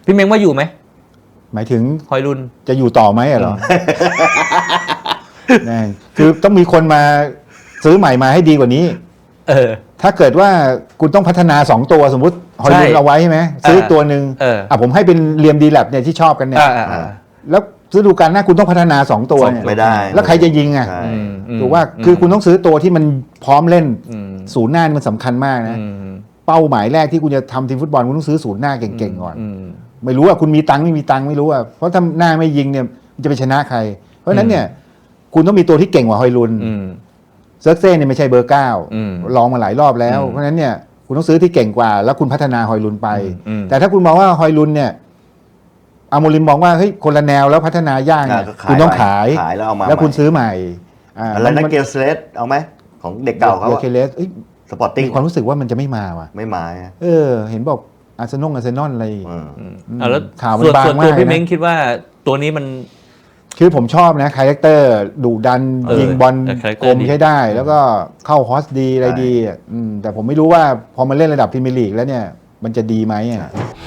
พี่เม้งว่าอยู่ไหมหมายถึงฮอยลุนจะอยู่ต่อไหมเหรอ คือต้องมีคนมาซื้อใหม่มาให้ดีกว่านี้ถ้าเกิดว่าคุณต้องพัฒนา2ตัวสมมุติฮอยลุนเอาไว้ใช่ไหมซื้อตัวหนึ่งผมให้เป็นเรียมดีแลบเนี่ยที่ชอบกันเนี่ยแล้วฤดูกาลหน้าคุณต้องพัฒนา2ตัวเนี่ยไม่ได้แล้วใครจะยิงอ่ะถูกว่าคือคุณต้องซื้อตัวที่มันพร้อมเล่นศูนย์หน้ามันสำคัญมากนะเป้าหมายแรกที่คุณจะทำทีมฟุตบอลคุณต้องซื้อศูนย์หน้าเก่งๆก่อนไม่รู้ว่าคุณมีตังค์ไม่มีตังค์ไม่รู้อ่ะเพราะถ้าหน้าไม่ยิงเนี่ยจะไปชนะใครเพราะฉะนั้นเนี่ยคุณต้องมีตัวที่เก่งกว่าฮอยลุนเซิร์กเซ่เนี่ยไม่ใช่เบอร์9ลองมาหลายรอบแล้วเพราะฉะนั้นเนี่ยคุณต้องซื้อที่เก่งกว่าแล้วคุณพัฒนาฮอยลุนไปแต่ถ้าคุณมองว่าฮอยลุนเนี่ยอาโมริมมองว่าเฮ้ยคนละแนวแล้วพัฒนายากเนี่ยคุณต้องขายแล้วคุณซื้อใหม่อะไรนะเกลสเลสเอาไหมของเด็กเก่าเขาเกลเลสสปอร์ติ้งความรู้สึกว่ามันจะไม่มาว่ะไม่มาเห็นบอกอาร์เซนอลอะไรแล้วข่าวมันบางมากพี่เม้งคิดว่าตัวนี้มันคือผมชอบนะคาแรคเตอร์ดุดันยิงบอลกลมใช้ได้แล้วก็เข้าฮอสดีอะไรดีแต่ผมไม่รู้ว่าพอมาเล่นระดับพรีเมียร์ลีกแล้วเนี่ยมันจะดีไหม